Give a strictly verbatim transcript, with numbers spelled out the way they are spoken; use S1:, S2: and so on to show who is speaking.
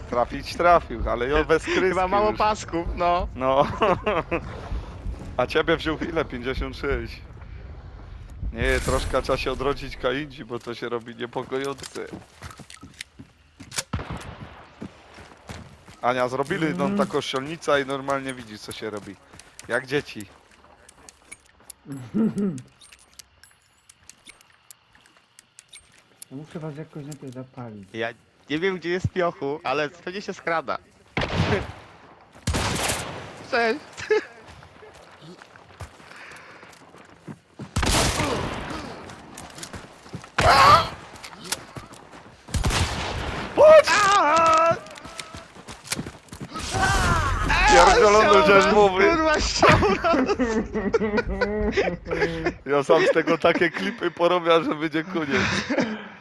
S1: Trafić trafił, ale ja bez kryski
S2: Chyba mało
S1: już.
S2: pasków, no.
S1: No. A ciebie wziął ile? pięćdziesiąt sześć. Nie, troszkę trzeba się odrodzić kaindzi, bo to się robi niepokojące. Ania, zrobili nam taką strzelnicę i normalnie widzisz, co się robi. Jak dzieci.
S3: No muszę was jakoś najpierw zapalić.
S2: Ja nie wiem, gdzie jest piochu, ale pewnie się skrada. Cześć. Aaa!
S1: Pierdolony rzeźbowy.
S2: Kurwa, ściągnął.
S1: Ja sam z tego takie klipy porobię, że będzie koniec.